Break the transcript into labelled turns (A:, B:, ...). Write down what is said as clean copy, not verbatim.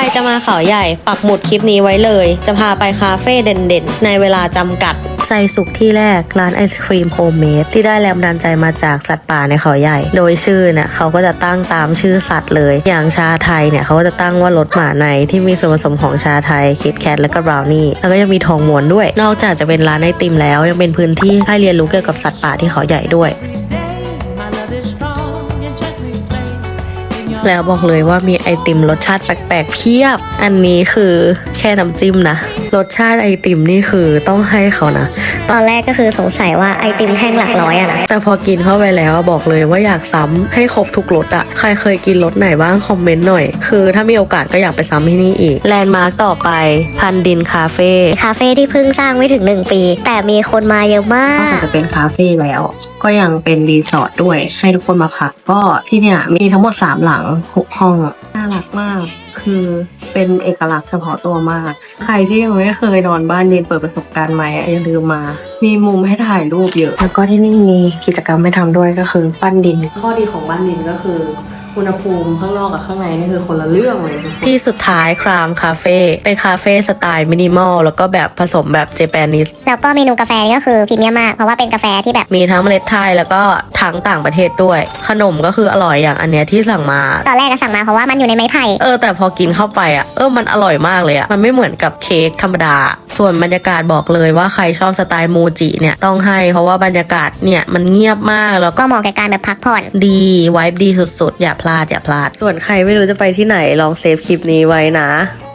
A: จะมาเขาใหญ่ปักหมุดคลิปนี้ไว้เลยจะพาไปคาเฟ่เด่นๆในเวลาจำกัดใจสุขที่แรกร้านไอศครีมโฮมเมดที่ได้แรงบันดาลใจมาจากสัตว์ป่าในเขาใหญ่โดยชื่อเนี่ยเขาก็จะตั้งตามชื่อสัตว์เลยอย่างชาไทยเนี่ยเขาก็จะตั้งว่ารสหมาในที่มีส่วนผสมของชาไทยคิดแคทและก็บราวนี่แล้วก็ยังมีทองม้วนด้วยนอกจากจะเป็นร้านไอติมแล้วยังเป็นพื้นที่ให้เรียนรู้เกี่ยวกับสัตว์ป่าที่เขาใหญ่ด้วยแล้วบอกเลยว่ามีไอติมรสชาติแปลกๆเพียบอันนี้คือแค่น้ำจิ้มนะรสชาติไอติมนี่คือต้องให้เขานะ
B: ตอนแรกก็คือสงสัยว่าไอติมแท่งหลักร้อยอะนะ
A: แต่พอกินเข้าไปแล้วบอกเลยว่าอยากซ้ำให้ครบทุกรสอะใครเคยกินรสไหนบ้างคอมเมนต์หน่อยคือถ้ามีโอกาสก็อยากไปซ้ำที่นี่อีกแลนด์มาร์คต่อไปพันดินคาเฟ่
B: ที่เพิ่งสร้างไม่ถึง1 ปีแต่มีคนมาเยอะมาก
A: นอกจากจะเป็นคาเฟ่แล้วก็ยังเป็นรีสอร์ทด้วยให้ทุกคนมาพักก็ที่เนี่ยมีทั้งหมด3หลัง6ห้องน่ารักมากคือเป็นเอกลักษณ์เฉพาะตัวมากใครที่ยังไม่เคยนอนบ้านดินเปิดประสบการณ์ใหม่อย่าลืมมามีมุมให้ถ่ายรูปเยอะแล้วก็ที่นี่มีกิจกรรมให้ทำด้วยก็คือปั้นดินข้อดีของบ้านดินก็คืออุณหภูมิข้างนอกกับข้างในนี่คือคนละเรื่องเลยที่สุดท้ายครามคาเฟ่เป็นคาเฟ่สไตล์มินิมอลแล้วก็แบบผสมแบบเจแปนิส
B: แล้วก็เมนูกาแฟนี่ก็คือพรีเมียมมากเพราะว่าเป็นกาแฟที่แบบ
A: มีทั้งเมล็ดไทยแล้วก็ทั้งต่างประเทศด้วยขนมก็คืออร่อยอย่างอันเนี้ยที่สั่งมา
B: ตอนแรกก็สั่งมาเพราะว่ามันอยู่ในไม้ไผ่
A: แต่พอกินเข้าไปมันอร่อยมากเลยมันไม่เหมือนกับเค้กธรรมดาส่วนบรรยากาศบอกเลยว่าใครชอบสไตล์มูจิเนี่ยต้องให้เพราะว่าบรรยากาศเนี่ยมันเงียบมากแล้ว
B: ก็เหมาะกับการแบบพักผ่อน
A: ดีไวบ์ดีสุดๆอย่าพลาดส่วนใครไม่รู้จะไปที่ไหนลองเซฟคลิปนี้ไว้นะ